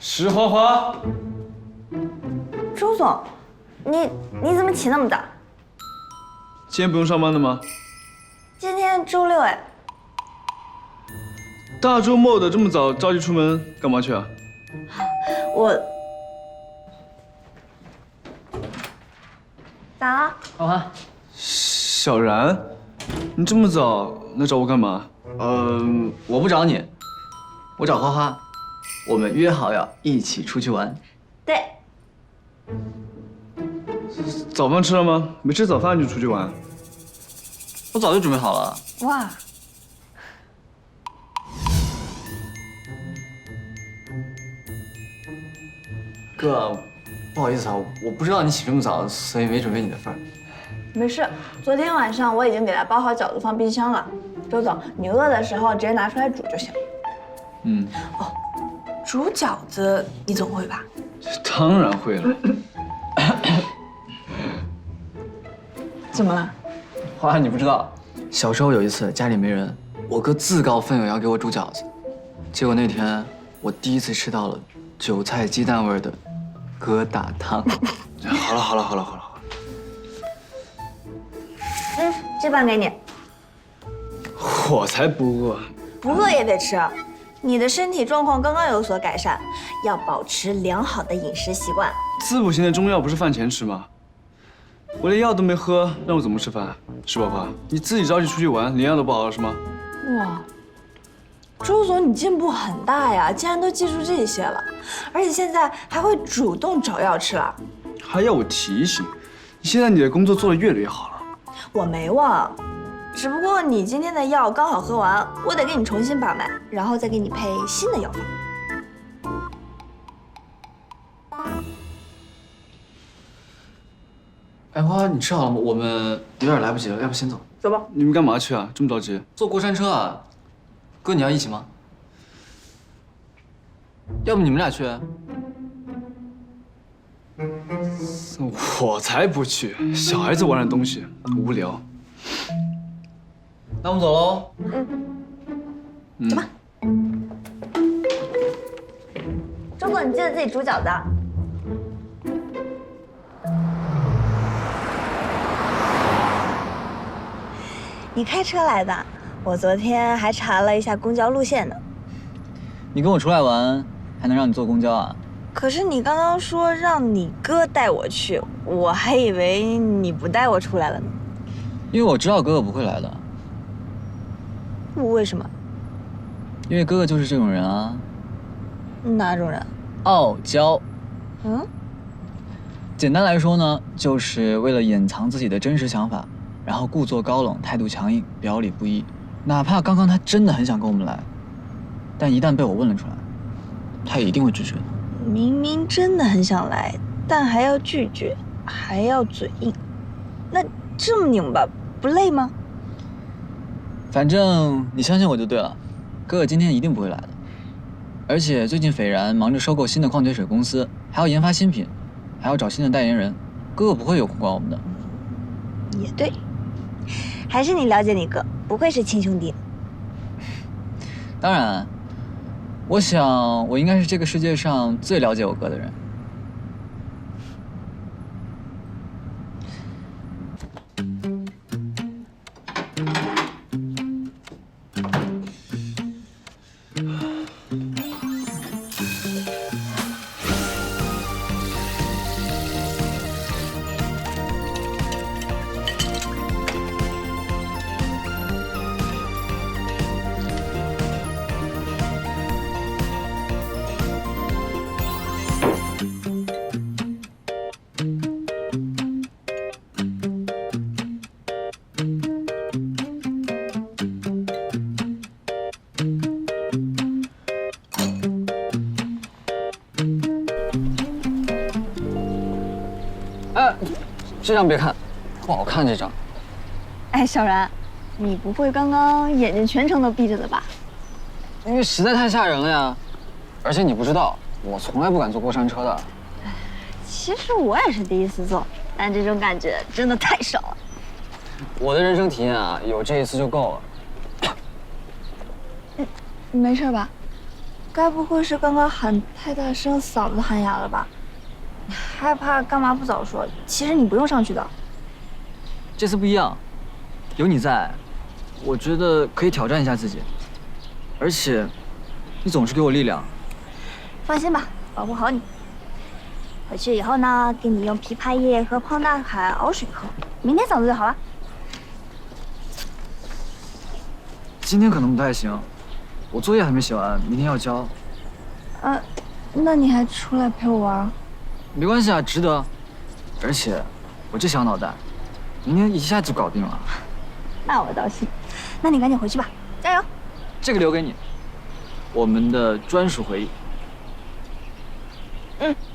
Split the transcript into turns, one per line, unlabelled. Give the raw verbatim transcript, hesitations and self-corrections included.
石花花，
周总，你你怎么起那么早？
今天不用上班的吗？
今天周六哎。
大周末的这么早着急出门干嘛去啊？
我咋了？
花花，
小然，你这么早来找我干嘛？
嗯，我不找你，我找花花，我们约好要一起出去玩。
对，
早饭吃了吗？没吃早饭就出去玩？
我早就准备好了。
哇，
哥，不好意思啊，我不知道你起这么早，所以没准备你的份儿。
没事，昨天晚上我已经给他包好饺子放冰箱了。周总，你饿的时候直接拿出来煮就行。
嗯，
哦，煮饺子你总会吧？
当然会了。
怎么了？
花花，你不知道，小时候有一次家里没人，我哥自告奋勇要给我煮饺子，结果那天我第一次吃到了韭菜鸡蛋味的疙瘩汤。
好了好了好了好了好了，
嗯，这半给你。
我才不饿。
不饿也得吃，你的身体状况刚刚有所改善，要保持良好的饮食习惯。
滋补型的中药不是饭前吃吗？我连药都没喝，让我怎么吃饭？石宝花，你自己着急出去玩，连药都不好了是吗？
哇，周总你进步很大呀，竟然都记住这些了，而且现在还会主动找药吃了。
还要我提醒？现在你的工作做得越来越好了。
我没忘，只不过你今天的药刚好喝完，我得给你重新把脉，然后再给你配新的药方。
哎，花花，你吃好了吗？我们有点来不及了，要不先走？
走吧。
你们干嘛去啊？这么着急？
坐过山车啊？哥，你要一起吗？要不你们俩去？
我才不去！小孩子玩的东西无聊。
那我们走喽。
嗯，
走吧。周总，你记得自己煮饺子啊。你开车来的？我昨天还查了一下公交路线呢。
你跟我出来玩，还能让你坐公交啊？
可是你刚刚说让你哥带我去，我还以为你不带我出来了呢。
因为我知道哥哥不会来的。
为什么？
因为哥哥就是这种人啊。
哪种人？
傲娇。
嗯？
简单来说呢，就是为了掩藏自己的真实想法，然后故作高冷，态度强硬，表里不一。哪怕刚刚他真的很想跟我们来，但一旦被我问了出来，他也一定会拒绝的。
明明真的很想来，但还要拒绝，还要嘴硬，那这么拧巴不累吗？
反正你相信我就对了，哥哥今天一定不会来的。而且最近斐然忙着收购新的矿泉水公司，还要研发新品，还要找新的代言人，哥哥不会有空管我们的。
也对，还是你了解你哥，不愧是亲兄弟。
当然，我想我应该是这个世界上最了解我哥的人。哎，这张别看，不好看这张。
哎，小然，你不会刚刚眼睛全程都闭着的吧？
因为实在太吓人了呀，而且你不知道，我从来不敢坐过山车的。
其实我也是第一次坐，但这种感觉真的太少了。
我的人生体验啊，有这一次就够了。
你没事吧？ 该不会是刚刚喊太大声，嗓子喊哑了吧？你害怕干嘛不早说？其实你不用上去的。
这次不一样，有你在，我觉得可以挑战一下自己。而且，你总是给我力量。
放心吧，保护好你。回去以后呢，给你用枇杷叶和胖大海熬水喝，明天嗓子就好了。
今天可能不太行，我作业还没写完，明天要交。
呃，那你还出来陪我玩？
没关系啊，值得。而且，我这小脑袋，明天一下就搞定了。
那我倒信。那你赶紧回去吧，加油！
这个留给你，我们的专属回忆。
嗯。